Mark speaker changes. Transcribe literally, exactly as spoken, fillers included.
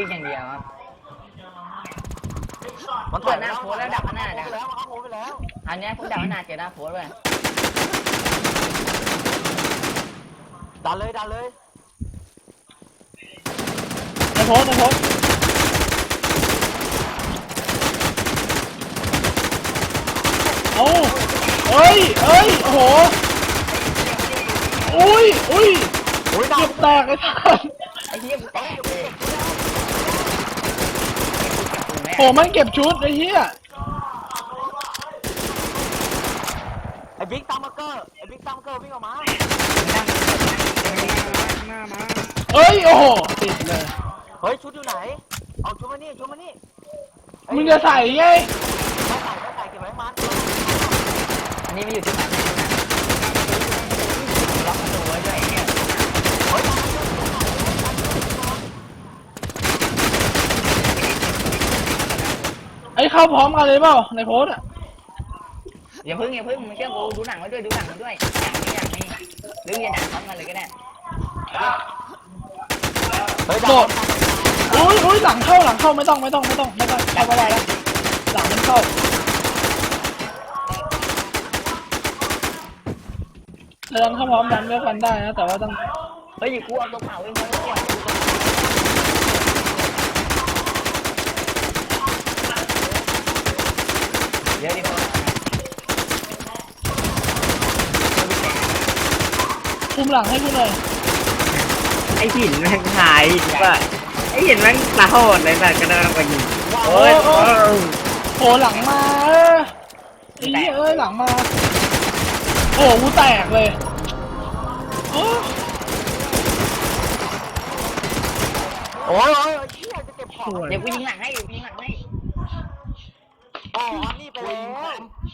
Speaker 1: วิ่งอย่างเดียวครับ
Speaker 2: มัน
Speaker 1: เปิดหน้าโพสแล้วดับหน้า
Speaker 2: ดั
Speaker 1: ดั
Speaker 2: บแล้วมันเข้าโพสไปแล้ว
Speaker 1: อันนี้ผมดับหน้าเจอหน้าโพสเลย
Speaker 2: ดันเลยดันเลย
Speaker 3: ในโพสในโพสโอ้เอ้ยเอ้ยโอ้โหอุ้ยอุ้ย
Speaker 2: โอ้ยดั
Speaker 3: เก็
Speaker 2: บบ
Speaker 3: แตกไอ้สัส
Speaker 1: ไอ้เหี้ยกูแตกเลย
Speaker 3: โหมันเก็บชุดไอ้เหี้ย
Speaker 2: ไอ้บิ๊กตามมาเกอร์ไอ้บิ๊กตามมาเกอร์วิ่งออกมา
Speaker 4: หน้ามา
Speaker 3: เอ้ยโอ้โหติดเลย
Speaker 2: เฮ้ยชุดอยู่ไหนเอาชุดมานี่ชุดมานี่
Speaker 3: มึงจะใส่ไง
Speaker 2: ไม่ใส่ไม่ใส่เก็บไว้มัน
Speaker 1: อันนี้ไม่อยู่ที่ไหนล็อกประตูไว้ด้วยเนี่ย
Speaker 2: เฮ้ย
Speaker 3: ไอ้เข้าพร้อมกันเลยเปล่าในโพสอ่ะ
Speaker 1: อย่าพึ่งอย่าพึ่งมึงเชื่อกูดูหนังไว้ด้วยดูหนังไว้ด้วยอย่างนี้อย่างนี้หรืออย่าหนังพร้อมกันเลยก็ได้
Speaker 2: เฮ้ย
Speaker 3: โดดอุ้ยอุ้ยหลังเข้าหลังเข้าไม่ต้องไม่ต้องไม่ต้องไม่ต้องเข้าไปแล้วหลังมันเข้าเราดันเข้าพร้อมกันก็ฟันได้นะแต่ว่าต้อง
Speaker 1: เฮ้ยกูเอาตัวเผาเองมาแล้วเดี๋ยวดิพอ
Speaker 3: คุมหลังให้กูหน่อย
Speaker 4: ไอ้หินแม่งหายว่าไอ้หินแม่งตาโหดเลยแบบกระโดดไปยิงโอ้ยโอ้ย
Speaker 3: โผล่หลังมาเออไอ้เหี้ยเอ้ยหลังมาโอ้กูแตกเลยโอ้
Speaker 2: โอ้ยโอ้ยเฮียจะเก็บของ
Speaker 1: เดี๋ยวกูยิงหลังให้ยิงหลังให้
Speaker 2: อ๋อนี่ไปแล้ว